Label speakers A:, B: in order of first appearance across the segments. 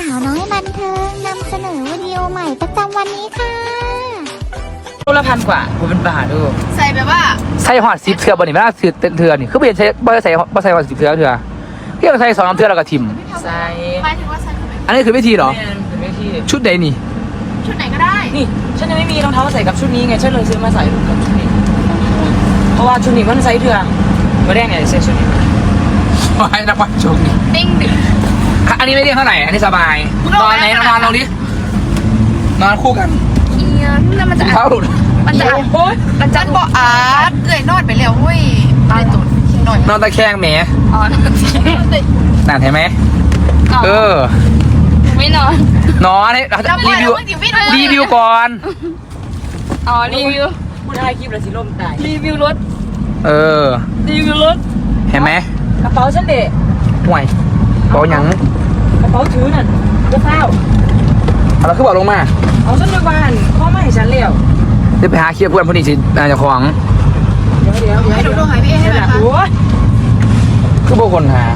A: าวน้อยบันเทิงนำเสนอวิดีโอใหม่ประจำวันนี้ค่ะ
B: ตัวละ1,000 กว่าผมเป็นบ้าดู
C: ใส่แบบว่า
B: ใส่หอด10 เทือบนนี่ไม่น่าเทือนี่คือเปลี่ยนใช้บ่ใส่หอด10 เทือเรียกใส่2 เทือแล้วก็ทิม
C: ใส่หมายถึงว่าใส่แบบ
B: อันนี้คือวิธีเหรอชุดใดนี่
C: ชุดไหนก็ได้
B: นี่ฉันยังไม่มีรองเท้าใส่กับชุดนี้ไงฉันเลยซื้อมาใส่กับชุดนี้เพราะว่าชุดนี้มันใส่เทือมาแรกเนี่ยใส่ชุดนี้ให้นักวันชุดนี้
C: ติ้งดึก
B: อันนี้ไม่เรียกเท่าไหร่อันนี้สบายนอนไหนนอนลงดินอนคู่กัน
C: เอียนแล้วมันจะ
B: เท้าหลุด
C: มันจะมันจะบอกอาร์ตเกยนอดไปแล้วเว้ยตายตุ่นหน่อย
B: นอนตะแคงแหม
C: อ๋อนอนตะแคง
B: นั่นเห็นไหม
C: ไม่นอน
B: นอนให้รีวิวก่อน
C: อ๋อรีวิว
B: พูดได้คลิปแล้วสิล่มตาย
C: รีวิวรถรีวิวรถ
B: เห็นไหม
C: กระเป๋าฉันเด็ก
B: ห่วยกระเป๋าหยัง
C: กระเป๋าถือนั่นกระเป๋า
B: เราคือบอกลงมา
C: เอาฉันไปบ้านพ่อไม่ให้ฉันเลี้ยว
B: จะไปหาเคลียร์เพื่อนพอดีสินายจะของ
C: เดี๋ยวให้ดูหายพี่ให้หน่อยค่ะ
B: คือพวกคนหา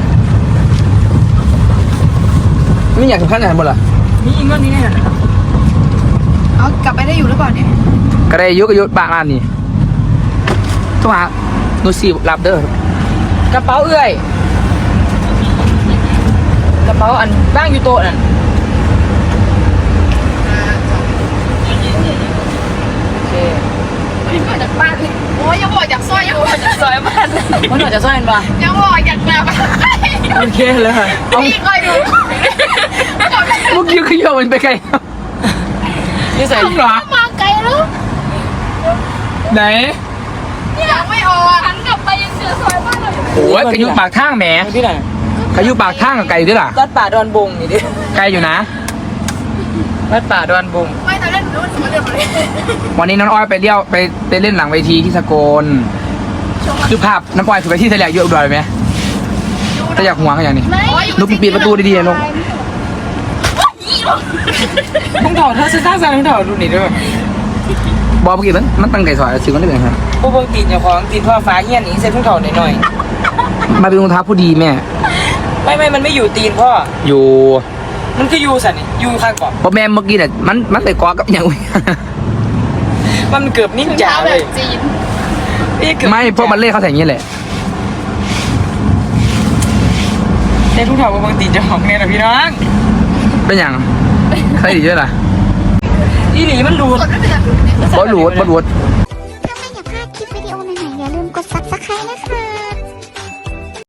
B: ไม่อยากถึงขั้นไหนหมดล่ะ
C: มีเงินนี้แน่นอนเอากลับไปได้อยู่หรือเปล่าเนี่ย
B: ก็ได้ยุบางร้านนี่ต้องหาโนซีรับเด้อกระเป๋าเอื้อยกระเป๋าอันบ้างอยู่โต๊ะนั่นโอเค
C: พี่มาจากบ้านโอ้ยยังบอกอยากซอยยังบอกอยากซอยบ้าน
B: มันหน่อยจะซ่อนปะ
C: ยังบอกอยากแบบ
B: โอเคเลย
C: พี่คอยดู
B: เมื่อกี้คือโยนไปไกลนี่ใส่หรอ
C: มาไกลแล้ว
B: ไหน
C: ยังไม่ออกหันกลับไปยังเจอซอยบ้านเลย
B: โอ้ยกระยุปากทางแหมที่ไหนกระยุปากทางกับไก่ด้วยล่ะ
D: วัดป่าดอนบงนี่ดิ
B: ไก่อยู่นะ
D: วัดป่าดอนบง
C: ไม่ตอนเล่นนู้นมาเดินมาเลย
B: วันนี้น้องอ้อยไปเล่นหลังเวทีที่สกลคือภาพน้องอ้อยถือไปที่ทะเลเยอะอุดรไหมถ้าอยากห่วงก็อย่างนี้นุ๊กปิดประตูดีๆนุ๊ก
D: มึงถอดเธอซื้อตั้งใจมึงถอดดูนี่ด้วย
B: บอกเมื่อกี้มันตั้งไก่ซอยซื้อมันได้เป็นไงครับ
D: พวกเบิ่งตีนอย่างของตีนพ่อฟ้าเงี้ยนี่เซ็ตมึงถอดหน่อย
B: มาเป็นรองเท้าผู้ดีแม่
D: ไม่มันไม่อยู่ตีนพ่อ
B: อยู่
D: มันคืออยู่สันนี่อยู่ข้างก่อน
B: เพราะแม่เมื่อกี้เนี่ยมันไปกอกับอย่าง
D: มันเกือบนิ่งจ๋าเลย
B: ไม่เพราะมันเล่เขาใส่อย่างนี้แหละ
D: ในทุกแถวบางตีนจะของเนี่ยนะพี่น้อง
B: เป็นอย่างใครดีด้วยล่ะ
D: อีหลีมันรูด
B: บอลรูด